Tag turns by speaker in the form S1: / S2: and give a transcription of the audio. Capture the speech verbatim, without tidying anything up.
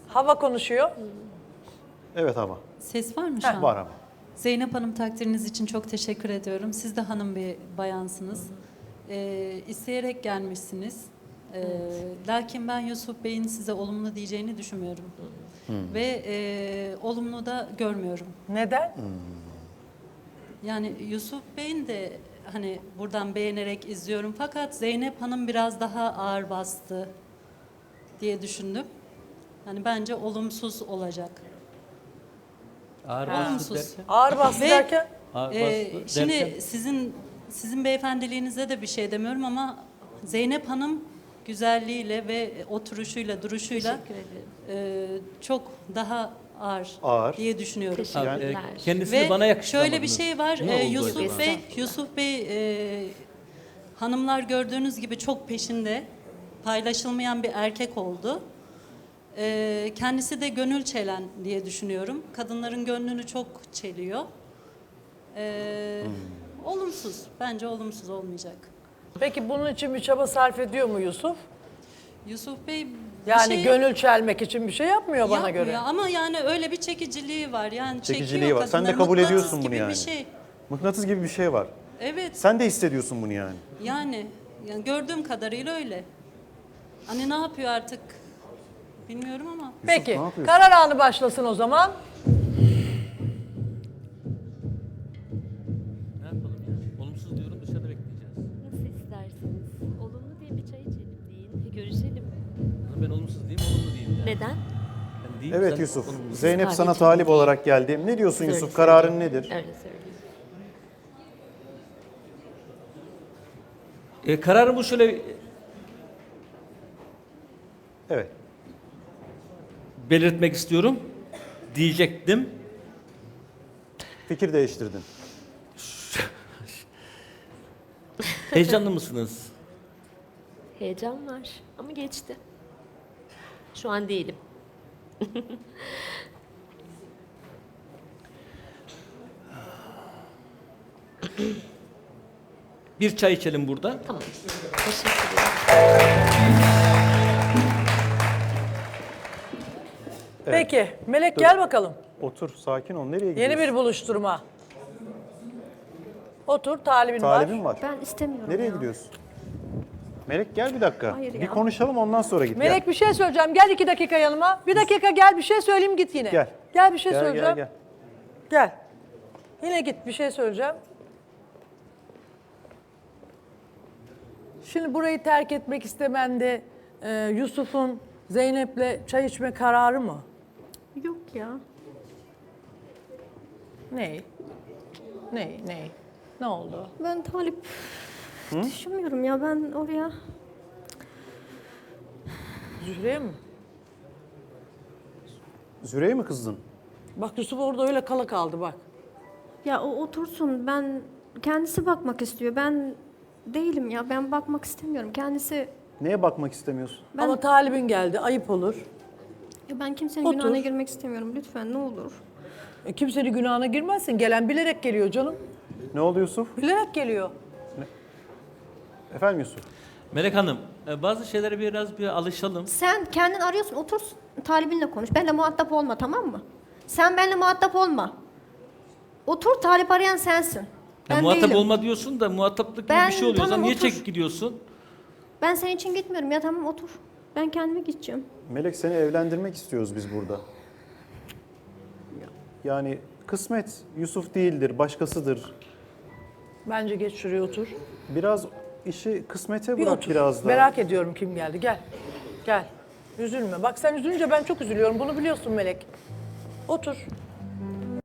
S1: Hava konuşuyor.
S2: Evet ama.
S3: Ses var mı şu an?
S2: Var ama.
S3: Zeynep Hanım, takdiriniz için çok teşekkür ediyorum. Siz de hanım bir bayansınız. Ee, isteyerek gelmişsiniz. Ee, lakin ben Yusuf Bey'in size olumlu diyeceğini düşünmüyorum. Ve e, olumlu da görmüyorum.
S1: Neden?
S3: Yani Yusuf Bey'in de hani buradan beğenerek izliyorum. Fakat Zeynep Hanım biraz daha ağır bastı diye düşündüm. Hani bence olumsuz olacak.
S4: Ağır
S3: Olumsuz.
S4: bastı derken.
S1: Ağır bastı
S3: Ve-
S1: derken?
S4: Ağır
S3: Ee,
S4: bastı
S3: şimdi
S4: derken.
S3: sizin sizin beyefendiliğinize de bir şey demiyorum ama Zeynep Hanım güzelliğiyle ve oturuşuyla, duruşuyla e, çok daha ağır,
S2: Ağır.
S3: diye düşünüyorum.
S4: Abi, e,
S5: Teşekkürler.
S4: kendisini
S3: Ve
S4: bana yakıştıramadınız.
S3: şöyle bir şey var.
S4: Ne
S3: e,
S4: oldu
S3: Yusuf
S4: acaba?
S3: Bey, Yusuf Bey e, hanımlar gördüğünüz gibi çok peşinde, paylaşılmayan bir erkek oldu. E, kendisi de gönül çelen diye düşünüyorum. Kadınların gönlünü çok çeliyor. E, Olumsuz. Bence olumsuz olmayacak.
S1: Peki bunun için bir çaba sarf ediyor mu Yusuf?
S3: Yusuf Bey bir
S1: Yani
S3: şey
S1: gönül çelmek için bir şey yapmıyor bana
S3: yapmıyor
S1: göre.
S3: ama yani öyle bir çekiciliği var. Yani
S2: Çekiciliği
S3: çekiyor
S2: var. Sen de
S3: kadınları,
S2: kabul
S3: mıknatıs
S2: ediyorsun bunu
S3: gibi
S2: yani.
S3: bir şey.
S2: Mıknatıs gibi bir şey var.
S3: Evet.
S2: Sen de hissediyorsun bunu yani.
S3: Yani, yani gördüğüm kadarıyla öyle. Hani ne yapıyor artık bilmiyorum ama.
S1: Peki
S2: ne yapıyorsun?
S1: karar anı başlasın o zaman.
S4: Ne yapalım ya? Olumsuz diyorum, dışarıda bekleyeceğiz.
S5: Nasıl isterseniz. Olumlu diye bir çay içelim deyin. Görüşelim.
S4: Ama ben olumsuz diyeyim, olumlu diyeyim yani.
S5: Neden?
S4: Ben diyeyim,
S2: Evet
S4: sen
S2: Yusuf.
S4: olumlu.
S2: Zeynep
S5: kahve
S2: sana
S5: içelim
S2: talip
S5: diye.
S2: olarak geldi. Ne diyorsun
S5: Öyle
S2: Yusuf?
S5: söyleyeyim.
S2: Kararın nedir?
S5: Öyle söyleyeyim.
S4: E, kararımı şöyle
S2: Evet.
S4: belirtmek istiyorum. Diyecektim.
S2: Fikir değiştirdin.
S4: Heyecanlı mısınız?
S5: Heyecan var ama geçti. Şu an değilim.
S4: Bir çay içelim burada.
S5: Tamam. Teşekkür ederim.
S1: Peki Melek gel bakalım.
S2: Otur, sakin ol. Nereye gidiyorsun?
S1: Yeni bir buluşturma. Otur talibin,
S2: Talibin
S1: var.
S2: var.
S5: Ben istemiyorum
S2: Nereye
S5: ya.
S2: gidiyorsun? Melek gel bir dakika.
S5: Hayır
S2: bir
S5: ya.
S2: konuşalım ondan sonra git.
S1: Melek bir şey söyleyeceğim. Gel iki dakika yanıma. Bir dakika gel bir şey söyleyeyim git yine.
S2: Gel.
S1: Gel bir şey
S2: Gel, gel,
S1: söyleyeceğim.
S2: gel.
S1: Gel. Yine git bir şey söyleyeceğim. Şimdi burayı terk etmek istemende e, Yusuf'un Zeynep'le çay içme kararı mı?
S5: Yok ya.
S1: Ney? Ney? Ney? Ne oldu?
S5: Ben talip düşünmüyorum ya, ben oraya.
S1: Zühre'ye mi?
S2: Züre'ye mi kızdın?
S1: Bak Yusuf orada öyle kala kaldı bak.
S6: Ya o otursun, ben kendisi bakmak istiyor. Ben değilim ya, ben bakmak istemiyorum. Kendisi,
S2: Neye bakmak istemiyorsun?
S6: ben
S1: Ama talibin geldi ayıp olur.
S6: ya ben kimsenin
S1: Otur.
S6: günahına girmek istemiyorum. Lütfen ne olur.
S1: E, kimsenin günahına girmezsin. Gelen bilerek geliyor canım.
S2: Ne oldu Yusuf?
S1: Bilerek geliyor.
S2: Efendim Yusuf?
S4: Melek Hanım, e, bazı şeylere biraz bir alışalım.
S6: Sen kendin arıyorsun, otur talibinle konuş. Benimle muhatap olma, tamam mı? Sen benimle muhatap olma. Otur, talip arayan sensin.
S4: Ya
S6: Ben
S4: muhatap
S6: değilim.
S4: olma diyorsun da muhataplık gibi
S6: Ben-
S4: bir şey oluyor. O zaman
S6: tamam,
S4: niye
S6: otur.
S4: çekip gidiyorsun?
S6: Ben senin için gitmiyorum ya, tamam otur. Ben kendime gideceğim.
S2: Melek seni evlendirmek istiyoruz biz burada. Yani kısmet Yusuf değildir, başkasıdır.
S1: Bence geç şuraya otur.
S2: Biraz işi kısmete
S1: Bir
S2: bırak
S1: otur.
S2: biraz da.
S1: Merak ediyorum kim geldi. Gel. Gel. Üzülme. Bak sen üzülünce ben çok üzülüyorum. Bunu biliyorsun Melek. Otur.